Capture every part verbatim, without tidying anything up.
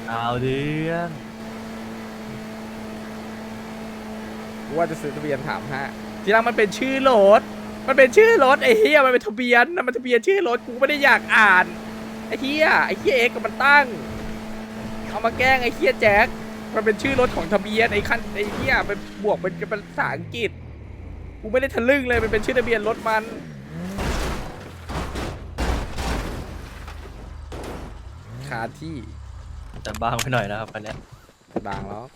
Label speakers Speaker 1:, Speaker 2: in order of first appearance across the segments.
Speaker 1: เอาเรื่อง
Speaker 2: ว่าจะซื้อทะเบียนถามฮะทีหลังมันเป็นชื่อรถมันเป็นชื่อรถไอ้เฮียมันเป็นทะเบียนนะมันทะเบียนชื่อรถกูไม่ได้อยากอ่านไอ้เฮียไอ้เฮียเอ็กกับมันตั้งเอามาแกล้งไอ้เฮียแจ็คมันเป็นชื่อรถของทะเบียนไอ้คันไอ้เฮียไปบวกเป็นเป็นภาษาอังกฤษกูไม่ได้ทะลึ่งเลยมันเป็นชื่อทะเบียนรถมันคาที่
Speaker 1: แต่บางไปหน่อยนะครับคันเนี้ย
Speaker 2: บางแล้ว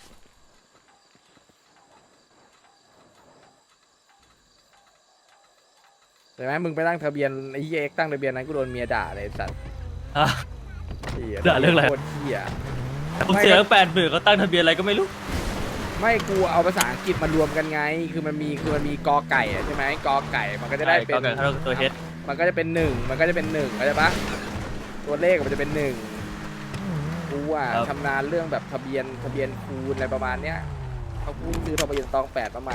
Speaker 2: แต่ไหมมึงไปตั้งทะเบียนไอ้เฮียเอ็กตั้งทะเบียนนั้นกูโดนเมียด่าเลยไอ้สัตว์
Speaker 1: ฮะ
Speaker 2: เหี้ย
Speaker 1: ด่าเรื่องอะไร
Speaker 2: โคตรเฮีย
Speaker 1: ผมเสียแปดหมื่นเขาตั้งทะเบียนอะไรก็ไม่รู้
Speaker 2: ไม่กูเอาภาษาอังกฤษมารวมกันไง คือมันมีคือมันมีกอไก่อะใช่ไหมกอไก่มันก็จะได้เป็น
Speaker 1: ก็เกิดเขาตัวเฮด
Speaker 2: มันก็จะเป็นหนึ่งมันก็จะเป็นหนึ่งเข้าใจปะตัวเลขมันจะเป็นหนึ่งกูอ่ะชำนาญเรื่องแบบทะเบียนทะเบียนคูณอะไรประมาณเนี้ยเขาพูดซื้อทะเบียนตองแปดมาใหม่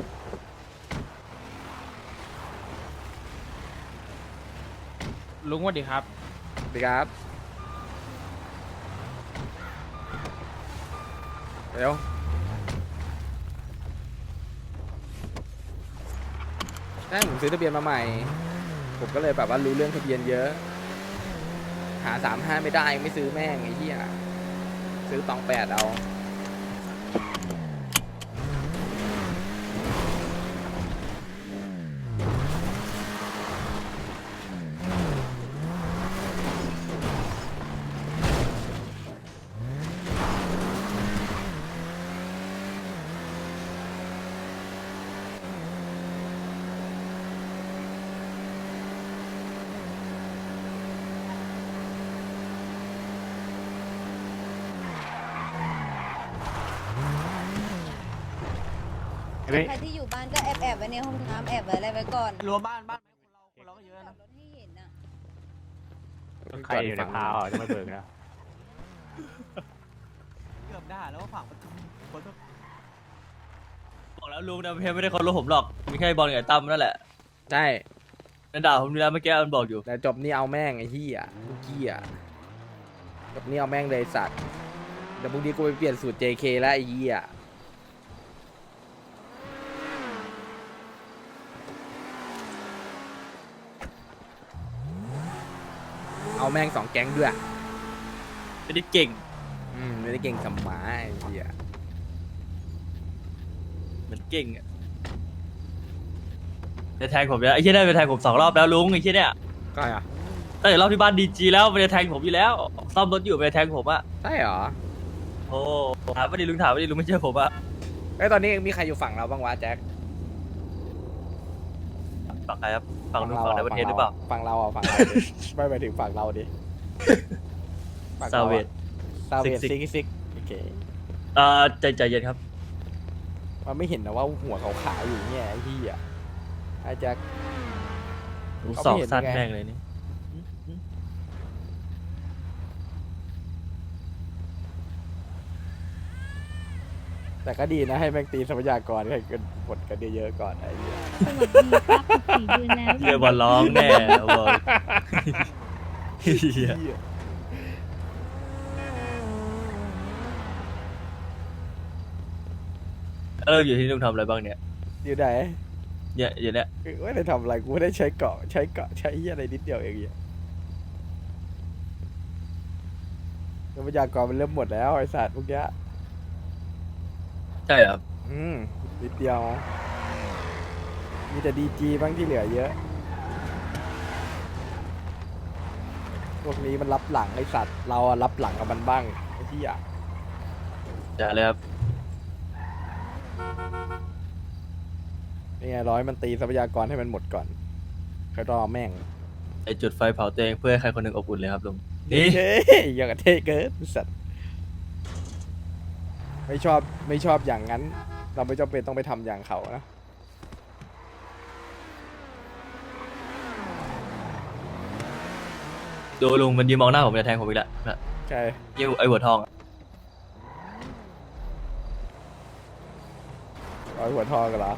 Speaker 3: ลุงสวัสดีครับ
Speaker 2: สวัสดีครับเดี๋ยวใช่ผมซื้อทะเบียนมาใหม่ ผมก็เลยแบบว่ารู้เรื่องทะเบียนเยอะ หาสามห้าไม่ได้ไม่ซื้อแม่งไอ้เหี้ยซื้อตองแปดเอา
Speaker 4: ใครที่อยู่บ้านก็แอบแอบไว้ในห้องน้ำแอบไว้อะไรไว้ก่อน
Speaker 3: รั้วบ้านบ้านคนเราคนเราก็เยอะ
Speaker 4: จอ
Speaker 3: นะ
Speaker 4: ดรถให้เห็นน่ะ
Speaker 5: ใครอยู่ในพาวจะไม่เบิกนะ
Speaker 3: เกือบได้แล้วว่าฝั่งประตูคนก็
Speaker 1: บอกแล้วลุงนะเพไม่ได้เคารพผมหรอกมีแค่บอลกับไอ้ตั้มนั่นแหละ
Speaker 2: ใช่
Speaker 1: นั่นด่าผมนี่แล้วเมื่อกี้มันบอกอยู่
Speaker 2: แต่จบนี่เอาแม่งไอ้เหี้ยลูกเหี้ยจบนี่เอาแม่งเลยสัตว์เดี๋ยวพรุ่งนี้กูไปเปลี่ยนสูตร เจ เค แล้วไอ้เหี้ยเอาแม่งสองแก๊งด้วย
Speaker 1: ไม่ได้เก่ง
Speaker 2: อืมไม่ได้เก่งสมมาไอ้เหี้ย
Speaker 1: เหมือนเก่งอะจะแทงผมเนี่ยไอ้เชี่ยได้ไปแทงผมสองรอบแล้วลุงไอ้เชี่ยเนี่ย
Speaker 2: ก็อ่ะ
Speaker 1: ตั้งแต่รอบที่บ้านดีจีแล้วมันจะแทงผมอยู่แล้วซ่อมรถอยู่มันจะแทงผมอะ
Speaker 2: ใช่เหรอ
Speaker 1: โอ้ถามไม่ดีลุงถามไม่ดีลุงไม่เชื่อผมอะ
Speaker 2: ไอ้ยตอนนี้มีใครอยู่ฝั่งเราบ้างวะแจ็ค
Speaker 1: ฝั่งใครครับฝั่งลุงฝั่งในประเทศหรือเปล่า
Speaker 2: ฝั่งเราอ่ะฝั่งเราดิ ไม่ไปถึงฝั่งเราดิฝั่ง
Speaker 1: ซา
Speaker 2: เรา
Speaker 1: เว
Speaker 2: อะ
Speaker 1: ด
Speaker 2: ซาเวด
Speaker 1: ซิ
Speaker 2: ซิ
Speaker 1: ก
Speaker 2: กซิกโอเค
Speaker 1: เอ่อใจใจเย็นครับ
Speaker 2: มันไม่เห็นนะว่าหัวขาวๆอยู่เนี่ยไอ้ที่อ่ะไอ้แจ็ค
Speaker 1: ลุง
Speaker 2: เขา
Speaker 1: ส
Speaker 2: ไม่
Speaker 1: อบ
Speaker 2: เห็น
Speaker 1: สั้น
Speaker 2: ไง
Speaker 1: แม่งเลยนี่
Speaker 2: แต่ก็ดีนะให้แม่งตีทรัพยากรให้กันหมดกันเยอะๆก่อนไอ้เหี้ย
Speaker 6: สวัสดีครับสี่เดือนแล้ว
Speaker 1: เฮียบอลร้องแน่บอกเฮีย เอออยู่ที่ลุงทำอะไรบ้างเนี่ย
Speaker 2: อยู่ไหน
Speaker 1: เนี่ยอยู่เนี่ย
Speaker 2: ไม่ได้ทำอะไรกูไม่ได้ใช้เกาะใช้เกาะใช้เหี้ยอะไรนิดเดียวเองเหี้ยทรัพยากรมันเริ่มหมดแล้วไอ้สัตว์พวกเนี้ย
Speaker 1: ใช่ครับ
Speaker 2: อืมนิดเดียว มีแต่ดีจีบ้างที่เหลือเยอะ พวกนี้มันรับหลังไอสัตว์ เราอะรับหลังกับมันบ้างไอ้ที่อะ
Speaker 1: อย่าเลยครับ
Speaker 2: นี่ไงร้อยมันตีทรัพยากรให้มันหมดก่อนค่อยรอแม่ง
Speaker 1: ไอจุดไฟเผาตัวเองเพื่อให้ใครคนหนึ่งอบอุ่นเลยครับลุงนี่
Speaker 2: เฮ้ยอย่างกับเทเกิร์ไอ้สัตว์ ไม่ชอบไม่ชอบอย่างนั้น เราไม่จำเป็นต้องไปทำอย่างเขานะ
Speaker 1: ดูลุงมันยืนมองหน้าผมจะแทงผมอีกแล้วนะ
Speaker 2: ใช่
Speaker 1: เยี่ยวไอหัวทองอะ
Speaker 2: ร้อยหัวทองกันเหรอ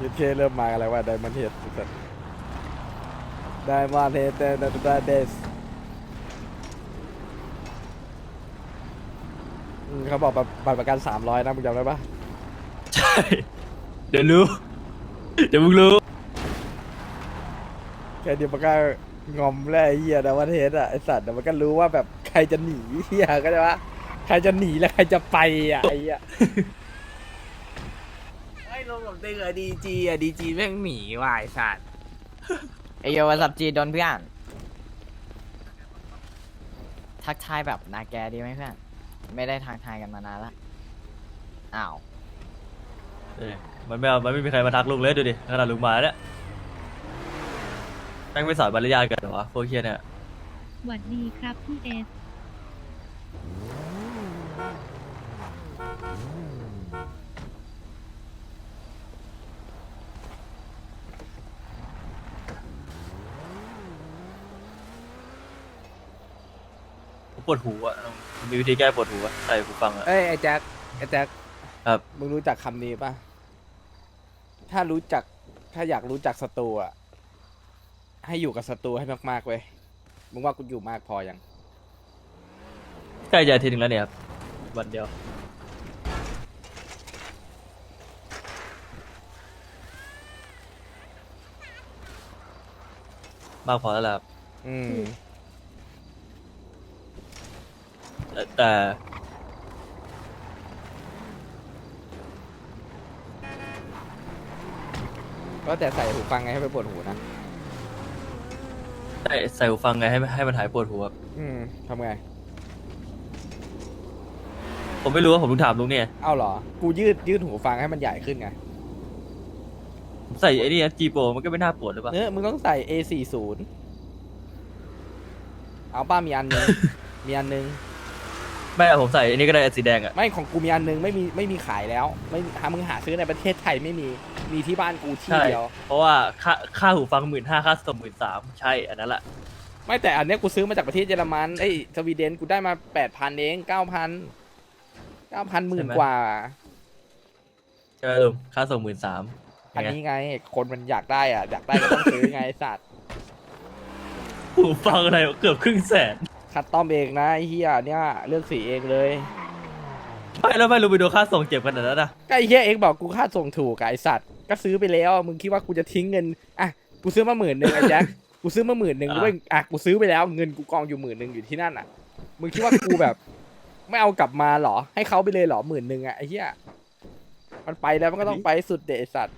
Speaker 2: ยูเคเริ่มมาอะไรวะไดมอนเฮดไดมอนเฮดเดนเดสเขาบอกบัตรบัตรประกันสามร้อยนะมึงจำได้ปะ
Speaker 1: ใช่ เดี๋ยวรู้ เดี๋ยวมึงรู้
Speaker 2: แค่เดียวมันก็งอมแล้วไอ้เหี้ยไดมอนเฮดอ่ะไอสัตว์เดี๋ยวมันก็รู้ว่าแบบใครจะหนีเหี้ยก็ได้ปะใครจะหนีและใครจะไปอ่ะไอ้เหี้ยไอ้ลงกับเด็กอะดีจีอะดีจีแม่งหนีว่ะไอสัตว์
Speaker 7: ไอโยวัสับจีโดนเพื่อนทักทายแบบนาแกดีไหมเพื่อนไม่ได้ทักทายกันมานานละอ้าว
Speaker 1: เอ้ยมันไม่เอามันไม่มีใครมาทักลุงเลยดูดิขนาดลุงมาแล้วเนี่ยแม่งไม่สอนมารยาทกันเหรอวะพวกเคียเนี่ย
Speaker 6: หวัดดีครับพี่เอส
Speaker 1: ผมปวดหูอ่ะมันมีวิธีแก้ปวดหูอ่ะใส่หูฟังอ่ะ
Speaker 2: เอ้ยไอ้แจ็คไอ้แจ็ค
Speaker 1: ครับ
Speaker 2: มึงรู้จักคำนี้ป่ะ ถ้ารู้จักถ้าอยากรู้จักศัตรูอ่ะให้อยู่กับศัตรูให้มากๆเว้ยมึงว่ากูอยู่มากพอยัง
Speaker 1: ใกล้จะอาทิตย์หนึงแล้วเนี่ยครับวันเดียวมากพอแล้วล่ะครับ
Speaker 2: อืม
Speaker 1: แต่แต่
Speaker 2: ก็แต่ใส่หูฟังไงให้ไปปวดหูนะ
Speaker 1: ใส่ใส่หูฟังไงให้ให้มันหายปวดหูครับ
Speaker 2: อืมทำไง
Speaker 1: ผมไม่รู้ว่าผมต้องถามลุงเนี่ย
Speaker 2: เอ้าเหรอ กูยืดยืดหูฟังให้มันใหญ่ขึ้นไง
Speaker 1: ผมใส่ไอ้นี่จีโปมันก็ไม่น่าปวดหรือเปล่า
Speaker 2: เนื้อมึงต้องใส่ เอ สี่สิบ เอาป้ามีอันนึง มีอันนึง
Speaker 1: ไม่อะผมใส่ไอ้นี่ก็ได้สีแดงอ่ะ
Speaker 2: ไม่ของกูมีอันนึงไม่มีไม่มีขายแล้ว ไม่มีหามึงหาซื้อในประเทศไทยไม่มี มีที่บ้านกูที่
Speaker 1: ใช่
Speaker 2: เดียว
Speaker 1: เพราะว่าค่าค่าหูฟังหมื่นห้าค่าส่งหมื่นสามใช่อันนั้นแหละ
Speaker 2: ไม่แต่อันเนี้ยกูซื้อมาจากประเทศเยอรมันเอ้ยสวีเดนกูได้มาแปดพันเองเก้าพันเก้าพันหมื่นกว่า
Speaker 1: ใช่ไหมลุงค่าส่งหมื่นสาม
Speaker 2: อันนี้ไง คนมันอยากได้อ่ะ อยากได้ก็ต้องซื้อไงไอ้สัตว์
Speaker 1: หูฟังอะไรเกือบครึ่งแสน
Speaker 2: คัดต้อมเองนะไอ้เฮียเนี่ยเลือกสีเองเลย
Speaker 1: ไม่แล้วไม่รู้ไปดูค่าส่งเจ็บขนาดนั้นนะ
Speaker 2: ก็ไอ้เฮียเองบอกกูค่าส่งถูกอะไอสัตว์ก็ซื้อไปแล้วมึงคิดว่ากูจะทิ้งเงินอ่ะกูซื้อมาหมื่นหนึ่งไอ้แจ็คกูซื้อมาหมื่นหนึ่งด้วยอ่ะกูซื้อไปแล้วเงินกูกองอยู่หมื่นหนึ่งอยู่ที่นั่นอ่ะมึงคิดว่ากูแบบ ไม่เอากลับมาเหรอให้เขาไปเลยเหรอหมื่นหนึ่งอ่ะไอ้เฮียมันไปแล้วมันก็ต้องไปให้สุดเดะไอ้สัตว์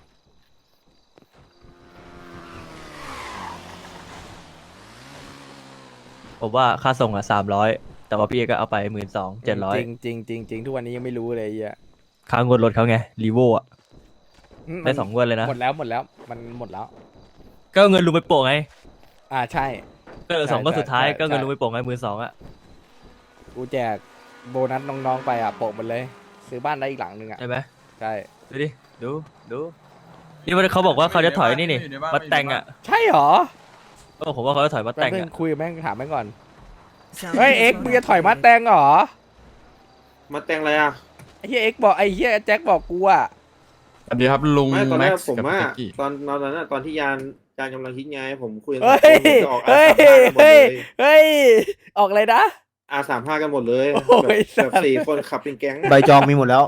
Speaker 1: ผมว่าค่าส่งอ่ะสามร้อยแต่ว่าพี่เอกก็เอาไปหมื่นสองเจ็ดร้อย
Speaker 2: จริงจริงจริงจริงทุกวันนี้ยังไม่รู้เลยไอ้เฮีย
Speaker 1: ค่างวดรถเขาไงรีโวอ่ะ
Speaker 2: อืม
Speaker 1: ได้สองงวดเลยนะ
Speaker 2: หมดแล้วหมดแล้วมันหมดแล้ว
Speaker 1: ก็เอาเงินลุงไปโปะไง
Speaker 2: อ่าใช่
Speaker 1: ก็เหลือสองงวดสุดท้าย
Speaker 2: ใช่ใช่
Speaker 1: ก็เงินลุงไปโปะไงหมื่นสองอ่ะ
Speaker 2: กูแจกโบนัสน้องๆไปอ่ะโปะหมดเลย ซื้อบ้านได้อีกหลังหนึ่งอ่ะ
Speaker 1: ใช่ไหม
Speaker 2: ใช่
Speaker 1: ดูดิดูดูนี่มันเขาบอกว่าเขาจะถอยนี่นี่มาแต่งอ่ะ
Speaker 2: ใช่เหรอ
Speaker 1: เออผมว่าเขาจะถอยมา
Speaker 2: แป๊บ
Speaker 1: แต่ง
Speaker 2: นึง
Speaker 1: อ่ะ
Speaker 2: คุยกับแม่งถามแม่งก่อน เฮ้ยเอ็กซ์มึงจะถอยมาแตงเหรอ
Speaker 8: มาแต่งอะไรอ่ะ
Speaker 2: ไอ้เฮียเอ็กซ์บอกไอ้เฮียแจ็คบอกกูอ่ะ
Speaker 9: สวัสดีครับลุง
Speaker 8: ไม่ตอนแร
Speaker 9: แม็
Speaker 8: ก
Speaker 9: กซ์
Speaker 8: ผม
Speaker 9: กับ
Speaker 8: ว่า
Speaker 9: เต็กกี้
Speaker 8: ตอนตอนนั้นอะตอนที่ยานยานกำลังคิดไงผมคุยกัน
Speaker 2: เฮ้ย
Speaker 8: ผมจะออกอา
Speaker 2: เฮ้ย
Speaker 8: สามห้ากันหมด
Speaker 2: เฮ้
Speaker 8: เลย ย
Speaker 2: เฮ้ยออกเลยนะ
Speaker 8: อาสามห้ากันหมดเลย
Speaker 2: โอ้ย
Speaker 8: แบบแบบ
Speaker 2: สัตว์
Speaker 8: สี่คนขับเป็นแก๊ง
Speaker 10: ใบจองมีหมดแล้ว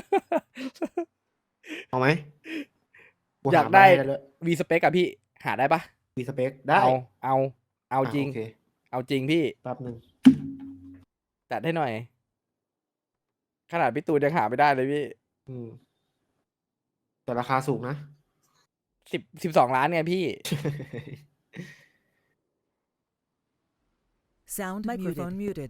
Speaker 10: เอาไหม
Speaker 2: อยากได้วีสเปกอะพี่หาได้ปะ
Speaker 10: มีสเปคได้
Speaker 2: เอาเอาเอาจริง
Speaker 10: โอเค
Speaker 2: เอาจริงพี่
Speaker 10: แป๊บหนึ่ง
Speaker 2: จัดให้หน่อย ขนาดพี่ตูนยังหาไม่ได้เลยพี่
Speaker 10: อืมแต่ราคาสูงนะ
Speaker 2: สิบสิบสองล้านไงพี่
Speaker 11: Sound microphone muted.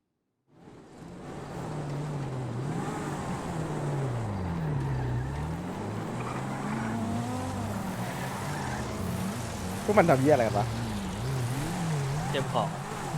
Speaker 2: พวกมันทำเยี่ยอะไรกันวะ
Speaker 1: เจ็บของ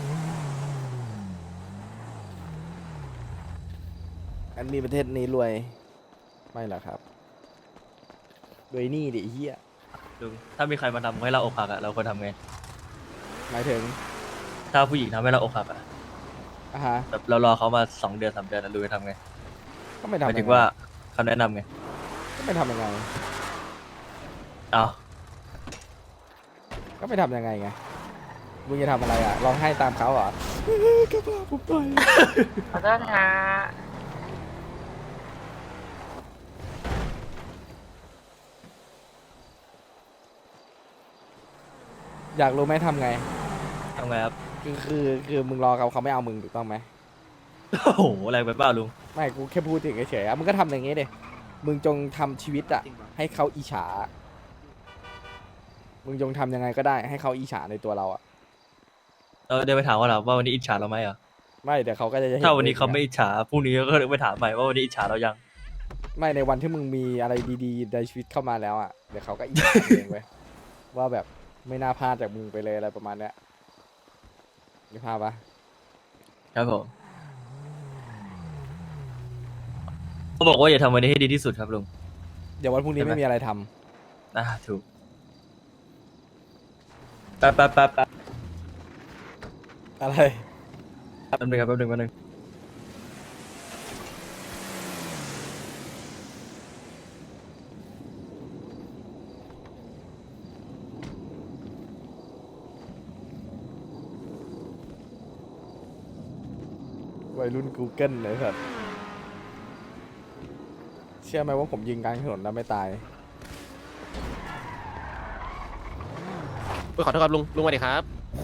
Speaker 2: อันนี้ประเทศนี้รวย ไม่หรอกครับรวยหนี่ดิไอ้เฮีย
Speaker 1: ลุงถ้ามีใครมาทำให้เราอกหักอ่ะเราควรทำไง
Speaker 2: หมายถึง
Speaker 1: ถ้าผู้หญิงทำให้เราอกหักอ่ะ
Speaker 2: อ่ะฮะ
Speaker 1: แบบเรารอเขามาสองเดือนสามเดือนแล้วลุงจะทำไง
Speaker 2: ก็ไม่
Speaker 1: ห
Speaker 2: ทำ
Speaker 1: มายถึง
Speaker 2: ยังไง
Speaker 1: ว่าคำแนะนำไง
Speaker 2: ก็ไม่ทำยังไง
Speaker 1: เอา
Speaker 2: ก็ไม่ทำยังไงไงมึงจะทำอะไรอ่ะร้องไห้ตามเขาเหรอ กระเป๋าผมไป
Speaker 7: ขอโทษฮะ
Speaker 2: อยากรู้ไหมทำไง
Speaker 1: ทำไงครับ
Speaker 2: คือคือคือมึงรอเขาเขาไม่เอามึงถูกต้องไหม
Speaker 1: โอ้โหแรงไปเปล่าลุง
Speaker 2: ไม่กูแค่พูดถึงเฉยๆอ่ะมึงก็ทำอย่างงี้ดิมึงจงทำชีวิตอ่ะให้เขาอิจฉามึงจงทำยังไงก็ได้ให้เขาอิจฉาในตัวเราอ่ะ
Speaker 1: เออเดินไปถามว่าเราว่าวันนี้อิจฉาเราไหมอ่ะ
Speaker 2: ไม่เดี๋ยวเขาก็จะห็
Speaker 1: ถ้าวันนี้เขาไม่อิจฉาพรุ่งนี้ก็ไปถามใหม่ว่าวันนี้อิจฉาเรายัง
Speaker 2: ไม่ในวันที่มึงมีอะไรดีๆในชีวิตเข้ามาแล้วอ่ะเดี๋ยวเขาก็อิจฉาเองเว้ยว่าแบบไม่น่าพลาดจากมึงไปเลยอะไรประมาณเนี้ยนี่ภาพปะ
Speaker 1: ครับผมเขาบอกว่าอย่าทำวันนี้ให้ดีที่สุดครับลุง
Speaker 2: เดี๋ยววันพรุ่งนี้
Speaker 1: ใช่ไหม
Speaker 2: ไม่มีอะไรทำ
Speaker 1: อ่าถูกแป๊บแป๊บแป๊บแป๊บ
Speaker 2: อะไร
Speaker 1: แป๊บนึงครับแป๊บนึงแป๊บนึง
Speaker 2: วัยรุ่น Google เลยสัตว์เชื่อไหมว่าผมยิงกลางถนนแล้วไม่ตาย
Speaker 5: ขอโทษครับลุงลุงสวัสดีครับ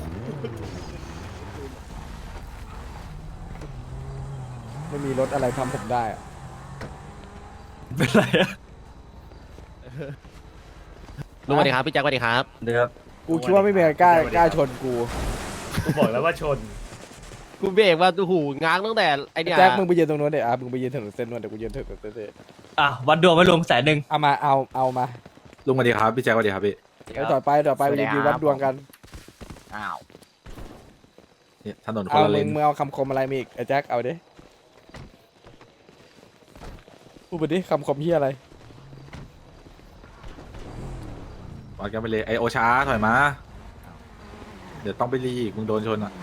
Speaker 2: ไม่มีรถอะไรทำผมได้อะ
Speaker 1: เป็นไรอะ
Speaker 5: ลุงสวัสดีครับพี่แจ็คสวัสดีครับ
Speaker 1: เดี๋ยวครับ
Speaker 2: กูคิดว่าไม่มีใครกล้ากล้าชนกู
Speaker 1: กูบอกแล้วว่าชน
Speaker 5: กูเบรกว่าโอ้โหง้างตั้งแต่ไอเดีย
Speaker 2: แจ็คมึงไปยืนตรงนู้นเดี๋ยวอ่ะมึงไปยืนถนนเส้นนู้นเดี๋ยวกูยืนถนนเส้นนี้
Speaker 1: อ่ะวัดดวงไว้ลุงแสนหนึ่ง
Speaker 2: เอามาเอาเอามา
Speaker 9: ลุงสวัสดีครับพี่แจ็คสวัสดีครับพี่
Speaker 2: ไปต่อไปต่อไปไปรีวิววัดดวงกัน
Speaker 7: อ้าว
Speaker 9: เนี่ยถนนคน
Speaker 2: เอา
Speaker 9: ละเล
Speaker 2: มึ
Speaker 9: น
Speaker 2: งมึงเอาคำคมอะไรมาอีกไอ้แจ็คเอาดิพูดไปดิคำคมเฮียอะไร
Speaker 9: วัดกันไปเลยไอโอช้าถอยมา เดี๋ยวต้องไปรีอีกมึงโดนชนอ่ะ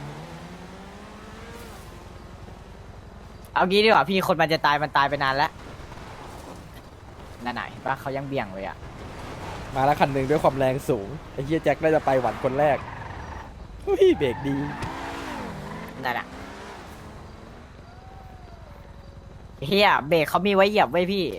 Speaker 7: เอางี้ดีกว่าพี่คนมันจะตายมันตายไปนานแล้วนั่นไหนปะเขายังเบี่ยงเลยอ่ะ
Speaker 2: มาแล้วคันหนึ่งด้วยความแรงสูงไอ้เฮียแจ็คน่าจะไปหวันคนแรกเฮ้ยเบรกดี
Speaker 7: นั่นอ่ะเฮียเบรกเขามีไว้เหยียบไว้พี่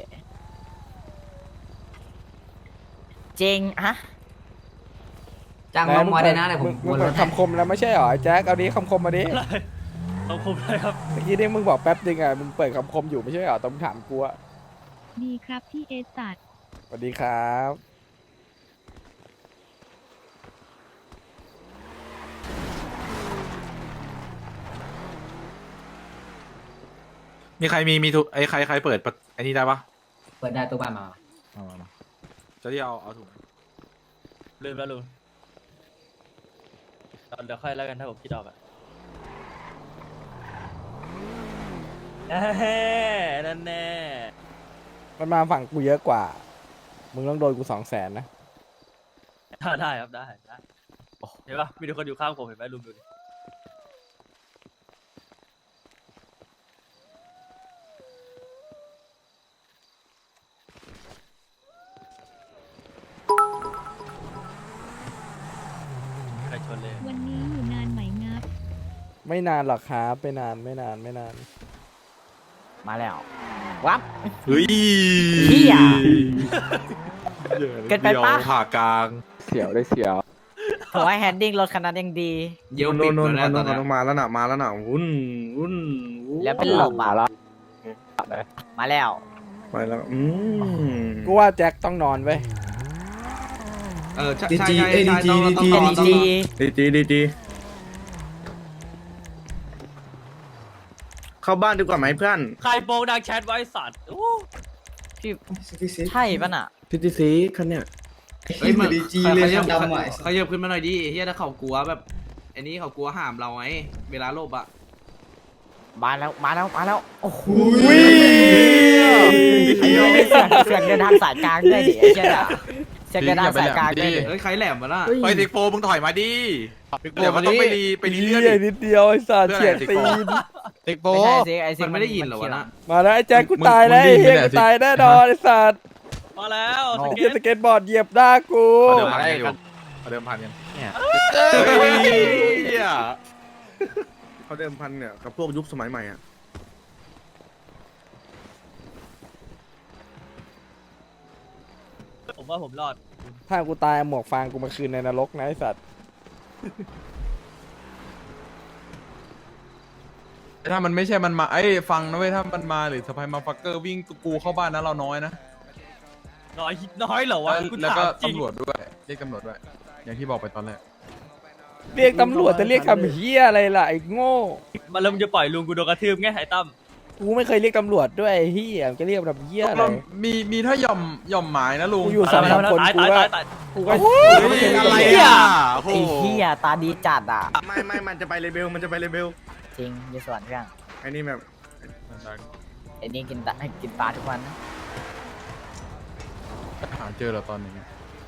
Speaker 7: จริงฮะ
Speaker 2: จ้างน้องมอได้นะเลยผมมึงบอกคำคมแล้วไม่ใช่เหรอไอ้แจ็คเอาดิคำคมมาดิ
Speaker 1: อะไรเอาคมเลยครับ
Speaker 2: เมื่อกี้นี่มึงบอกแป๊บนึงอ่ะมึงเปิดคำคมอยู่ไม่ใช่เหรอต้องถามกูอ่ะ
Speaker 6: ดีครับพี่เอสัตว์
Speaker 2: สวัสดีครับ
Speaker 9: มีใครมีมีถุงไอใครใครเปิดประไอนี่ได้ปะ
Speaker 7: เปิดได้ตัวบ้านมา
Speaker 9: เอามามาจะที่เอาเอาถุง
Speaker 1: ลืมแล้วลุงเอาเดี๋ยวค่อยแล้วกันถ้าผมคิดออกอะแน่นั่นแน่
Speaker 2: มันมาฝั่งกูเยอะกว่า มึงต้องโดนกูสองแสนนะ
Speaker 1: ได้ได้ครับได้ได้เห็นปะมีทุกคนอยู่ข้างผมเห็นไหมลุงดูดิใครชนเลย
Speaker 6: วันนี้อยู่นานไหมงับ
Speaker 2: ไม่นานหรอกครับไม่นานไม่นานไม่นาน
Speaker 7: มาแล้ววับ
Speaker 9: เฮ้ย
Speaker 7: เหี้ย
Speaker 9: เกิ
Speaker 7: เกินไปปะ
Speaker 9: ผ่ากลาง
Speaker 10: เสียวได้เสียว
Speaker 7: ขอให้แฮนดิ้งรถคันนั้นยังดี
Speaker 10: เยี่ยมปิดแล้วนะตอนนี้มาแล้วน่ะมาแล้วน่ะวุ่นวุ่น
Speaker 7: แล้วเป็นลมอ่ะมาแล้ว
Speaker 10: ไปแล้วอืม
Speaker 2: กูว่าแจ็คต้องนอนเว้ย
Speaker 3: เออใช่ใช่ใช่ใช่ต้องต้อง
Speaker 7: ดี
Speaker 3: ต้อง
Speaker 7: ดี
Speaker 10: ดีดีดีดีเข้าบ้านดีกว่าไหมเพื่อน
Speaker 1: ใครโปงดังแชทไว้สัตว์โอ้
Speaker 7: พี่ใช่ปะน่ะ
Speaker 10: พิธีซีคันเนี้ย
Speaker 3: เฮ้ยมันดีจีเลยดำใหม่เขาเยอะขึ้นมาหน่อยดิเฮียถ้าเขากลัวแบบอันนี้เขากลัวห้ามเราไงเวลาโลบอะ
Speaker 7: มาแล้วมาแล้วมาแล้วโอ้โห
Speaker 2: อุ้ย
Speaker 7: ไอ้เหี้ยนี่เสียงเสียงเดินทางสายกลางด้วยดิไอ้เชี่ยด่าเสียงเดินทางสายกลางด้วยดิ
Speaker 3: เฮ้ยใครแหลมมาล่ะ
Speaker 9: ไปติ๊กโฟมึงถอยมาดิเดี๋ยวมันต้องไปรีไปรี
Speaker 2: เหี้
Speaker 9: เลื่อน
Speaker 2: ยนิดเดียวไอ้สัตว์
Speaker 9: เพื่
Speaker 2: เฉีย
Speaker 9: อ
Speaker 2: ด
Speaker 9: อะไร
Speaker 2: ตีน
Speaker 5: ติ๊กโฟ
Speaker 7: ไม่ใช่สิไอ้สิ
Speaker 3: มันไม่ได้ยินเหรอวะนะ
Speaker 2: มาแล้วไอ้แจ็คกูตายแล้วไอ้เหี้ยกูตายแน่นอนไอ้สัตว์
Speaker 1: มาแล้วส
Speaker 2: เฮี
Speaker 1: เก็
Speaker 2: ย
Speaker 1: ต
Speaker 2: สเก็ตบอร์ดเหยียบหน้ากู
Speaker 9: เอาเดิมพันกันอยู่เอาเดิมพันกัน
Speaker 5: เนี่ย
Speaker 9: เฮ้ย
Speaker 10: เขาเดิมพันเนี่ยกับพวกยุคสมัยใหม่อ่ะ
Speaker 1: ผมว่าผมรอด
Speaker 2: ถ้ากูตายหมวกฟางกูมาคืนในนรกนะไอสัตว์
Speaker 11: ถ้ามันไม่ใช่มันมาไอ้ยฟังนะเว้ยถ้ามันมาหรือสไปมาฟักเกอร์วิ่งกูเข้าบ้านนะเราน้อยนะ
Speaker 1: น้อยน้อยเหรอวะ
Speaker 11: แล้ว
Speaker 1: กู
Speaker 11: แล้วก็
Speaker 1: ถามจริง
Speaker 11: ตำรวจด้วยเรียกตำรวจด้วย อย่างที่บอกไปตอนแรก
Speaker 2: เรียกตำรวจจะเรียกคำเฮียอะไรล่ะไอ้โง่
Speaker 1: มาแล้วมึงจะปล่อยลุงกูโดนกระทืบไงไอ้ตั้ม
Speaker 2: กูไม่เคยเรียกตำรวจด้วยไอ้เฮียจะเรียกแบบเฮียอะไร
Speaker 11: มีมีถ้าหย่อมหย่อมหมายนะลุง
Speaker 2: กูอยู่สามคน
Speaker 1: ตาย
Speaker 2: กู
Speaker 1: ตาย
Speaker 2: ก็
Speaker 1: ตายตาย
Speaker 2: กูก็
Speaker 9: อะไร
Speaker 2: เฮีย
Speaker 9: อ่ะ
Speaker 7: ไอ้เหี้ยตาดีจัดอ่ะ
Speaker 10: ไม่ไม่มันจะไปเลเบลมันจะไปเลเบล
Speaker 7: จริงยี่ส่วนเรื่อง
Speaker 10: ไอ้นี่แบบ
Speaker 7: ไอ้นี่กินตากินปลาทุกวันนะ
Speaker 11: หาเจอแล้วตอนนี้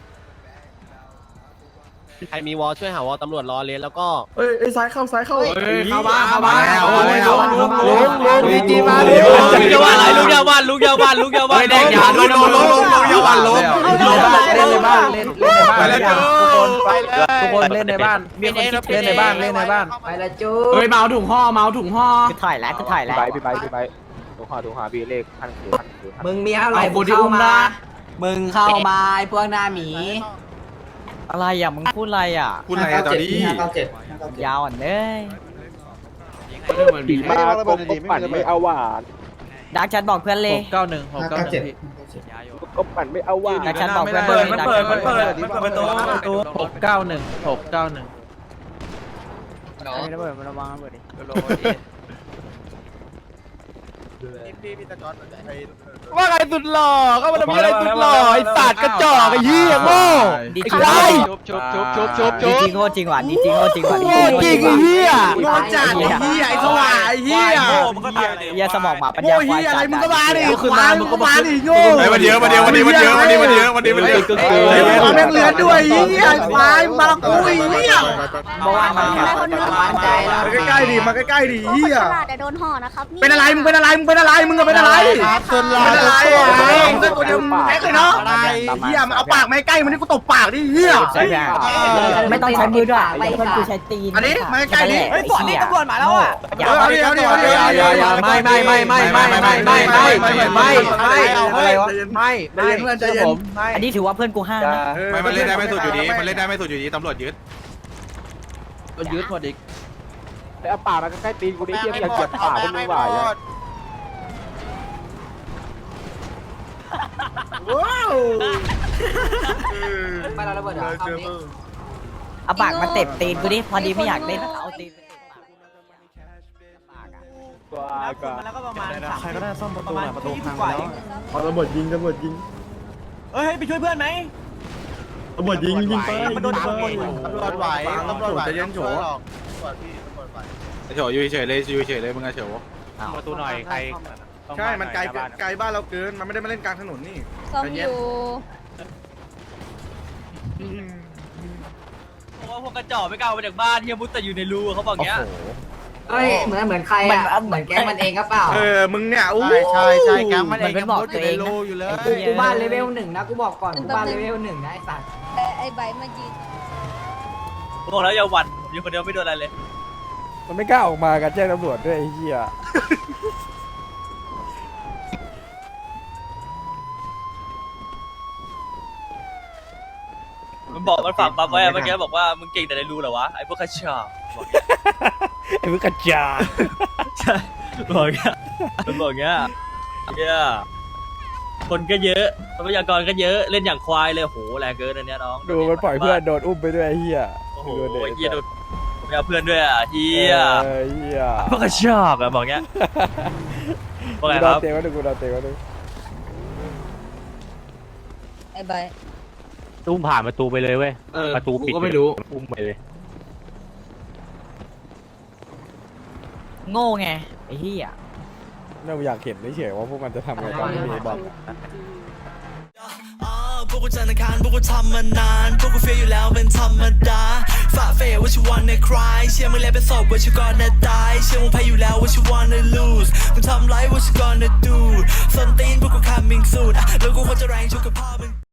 Speaker 5: ใครมีวอลช่วยหาวอลตำรวจรอเลนแล้วก็
Speaker 10: เอ้ยเอ้ยซ้ายเข้าซ้ายเข้า
Speaker 3: เข้าบ้านเข้าบ้าน
Speaker 9: เอาเลยเอาเลย
Speaker 2: ลุงลุงลุงจีมา
Speaker 1: ลุงอย่าว่าอะไรลุงอย่าว่าลุงอย่าว่าลุงอย่าว่า
Speaker 3: แดกยาด้วยลงลงลงลงอย่าวันลง
Speaker 2: เล่นในบ้านเล่นเล่นในบ้าน
Speaker 9: ไปแล้วเจอ
Speaker 2: ทุกคนเล่นในบ้านมีคนคิดเล่นในบ้านเล่นในบ้าน
Speaker 3: ไปละจูเฮ้ยเมาถุงห่อเมาถุงห่อ
Speaker 7: คือถ่ายแล้วคือถ่ายแล้ว
Speaker 5: ไปพี่ไปพี่ไปดูหาดูหาบีเลขพันคือพันคือพัน
Speaker 3: มึงมีอะไรเข้ามามึงเข้ามาไอ้พวกหน้าหมี
Speaker 7: อะไรอ่ะมึงพูดอะไรอ่ะ
Speaker 9: คุณอะไรอะจอดี้
Speaker 7: ยาวอ่ะเลย
Speaker 5: บีมากบกบปั่นไม่เอาหวาน
Speaker 7: ดักชัดบอกเพื่อนเลย
Speaker 5: เก้าหนึ่งหกเก้าหนึ่งกบปั่นไม่เอาหวาน
Speaker 7: ดักชัดบอกเพื่อน
Speaker 1: เปิด
Speaker 7: เลย
Speaker 1: มัน
Speaker 7: ดัก
Speaker 1: เปิ
Speaker 7: ชั
Speaker 1: ด
Speaker 7: ด
Speaker 1: มันเปิดมันเปิดประตูประตู
Speaker 5: หกเก้าหนึ่งหกเก้าหนึ่ง
Speaker 7: ระเบิดมันระวังระเบิดดิ
Speaker 2: ว่าไงสุดหล่อก็มันมีอะไรสุดหล่อไอ้สัตว์กระจอกไอ้เหี้ยโง่
Speaker 7: ดีจริง
Speaker 5: ชุบชุบชุบชุบชุบ
Speaker 7: ดีจริงโง่จริงว่ะดีจริงโง่จริงว่ะดี
Speaker 2: โง่จริงไอ้เหี้ย
Speaker 7: โง่จัดไอ้เหี้ย
Speaker 2: ไอ้สว่างไอ้เหี้ย
Speaker 1: โง่มันก็ตาย
Speaker 7: เหี้ยสมองหมาปัญ
Speaker 2: โง่
Speaker 7: ญา
Speaker 2: เหี้ยอะไรมึงก็มาดิ
Speaker 1: ก็คือมามึงก็มา
Speaker 2: ดิโง่
Speaker 9: ไอ้วันเยอะวันเดียววันนี้วันเยอะวันนี้วันเยอะวันนี้วันเยอะ
Speaker 2: ไอ้ความแม่งเลือดด้วยไอ้เหี้ยควายมาละกูไอ้เหี้ย
Speaker 7: เมื่อวานมันแค่
Speaker 3: มั่นใจแล้ว
Speaker 10: มาใกล้ๆดิมาใกล้ๆดิเหี้ย
Speaker 4: แต่โดนห่อนะครับ
Speaker 2: เป็นอะไรมึงเป็นอะไรมึงเป็นอะไรมึงก็เป็นอะไรเป็นอะไรมึงเป็นตัวเดียวมึงแม็กเลยเนาะเหี้ยมาเอาปากมาใกล้มันนี่กูตบปากดิเหี้ย
Speaker 7: ใช่ไหมไม่ต้องใช้มือด้วยเพื่อนกูใช้ตีน
Speaker 2: อันนี้มาใกล้ดิ
Speaker 7: เฮ้ยปอดนี่ตำรวจมาแล้วอ่ะ
Speaker 2: เดี๋ยวเดี๋ยวเดี๋ยวเดี๋ยวเดี๋ยว
Speaker 3: ไม่ไม่ไม่ไม่ไม่ไม่ไม่ไม่ไม่ไม่ไม่
Speaker 10: อะไรวะไม่ไม่เพื่อนใจเย็น
Speaker 7: อันนี้ถือว่าเพื่อนกูห้านะ
Speaker 9: ไม่มันเล่นได้ไม่สุดอยู่ดีมันเล่นได้ไม่สุดอยู่ดีตำรวจยึด
Speaker 5: ก็ยึดหมดอีกไปเอาป่ามาใกล้ตีนกูดิเยี่ยมอย่าเก็บป่าพวกมึงไหวอ่ะ
Speaker 10: ว้าว
Speaker 3: ไม่เราระเบิดอ่ะ
Speaker 7: เอาปากมาเตะตีนกูดิพอดีไม่อยากเล่นเอาตีน
Speaker 5: กว่ากว่า
Speaker 1: แล้วก็ประมาณ
Speaker 5: ใครก็ได้ซ่อมประตูหน่อยประตูพังแล้ว
Speaker 10: เอาระเบิดยิงระเบิดยิง
Speaker 1: เฮ้ยไปช่วยเพื่อนไหม
Speaker 10: ระเบิดยิงยิงไป
Speaker 1: มันโดน
Speaker 10: ตำรวจไหวตำรวจไหวใจเย็นโฉ
Speaker 9: เฉยอยู่เฉยเลยอยู่เฉยเลยมึงอะเฉย
Speaker 5: ประตูหน่อยใคร
Speaker 10: ใช่มันไกลไกลบ้านเราเกินมันไม่ได้มาเล่นกลางถนนนี่
Speaker 4: ซ่อมอยู่
Speaker 1: เพราะว่าพวกกระจอกไม่กล้าออกมาจากบ้านเฮียมุดแต่อยู่ในรูเขาบอกเงี้ย
Speaker 3: เฮ้ยเหมือนเหมือนใครอ่ะเหมือนแก๊งมันเองก็เปล่า
Speaker 10: เออมึงเนี่ยอู้
Speaker 2: ใช่ใช่แก๊งมัน
Speaker 7: มันเป็นบอกตัวเองนะ
Speaker 3: กูกูบ้านเลเวลหนึ่งนะกูบอกก่อนกูบ้านเลเวลหนึ่งนะไอ้สัตว์
Speaker 4: แต่ไอ้ใบมายืน
Speaker 1: บอกแล้วอย่าหวั่นอยู่คนเดียวไม่โดนอะไรเลย
Speaker 2: มันไม่กล้าออกมากันแจ้งตำรวจด้วยไอ้เหี้ย
Speaker 1: มันบอกมันฝากปั๊บไว้เมื่อกี้บอกว่ามึงเก่งแต่ในรูเหรอวะไอ้พวกกระจอกบอก
Speaker 2: ไอ้พวกกระจา
Speaker 1: ใช่บอกเงี้ยมันบอกเงี้ยเงี้ยคนก็เยอะทรัพยากรก็เยอะเล่นอย่างควายเลยโหแรงเกินอันเนี้ยน้อง
Speaker 2: ดูมันปล่อยเพื่อนโดนอุ้มไปด้วยไอ้เหี้ย
Speaker 1: โอ้โหเฮียโดนผมไม่เอาเพื่อนด้วยอ่ะเฮีย
Speaker 2: เออเหี้ย
Speaker 1: พวกกระจอกอะบอกเงี้ยว่าไง
Speaker 2: กู
Speaker 1: ค
Speaker 2: โด
Speaker 1: รั
Speaker 2: น
Speaker 1: บ
Speaker 2: เตะมาดูกูโดนเตะมาดู
Speaker 4: ไอ้ใบ
Speaker 5: ตุ้มผ่านประตูไปเลยเว้ย
Speaker 3: เออ
Speaker 5: ประตูปิด
Speaker 3: ก็ไม่รู้
Speaker 5: อุ้มไปเลย
Speaker 7: โง่ไงไอ้เหี้ย
Speaker 2: เราอยากเห็นเฉยๆว่าพวกมันจะทำไงตอนที่มีบอล
Speaker 12: พวกกูจันทร์อังคารพวกกูทำมานานพวกกูเฟียอยู่แล้วเป็นธรรมดาฝ่าเฟยว่าชิวันในคลายเชื่อมึงแล้วเป็นศพว่าชิวก่อนนะตายเชื่อมึงแพ้อยู่แล้วว่าชิวันใน lose มึงทำไรว่าชิวก่อนนะ do ส้นตีนพวกกูคำ coming soon อ่ะแล้วกูควรจะแรงชุกกับพ่อมึง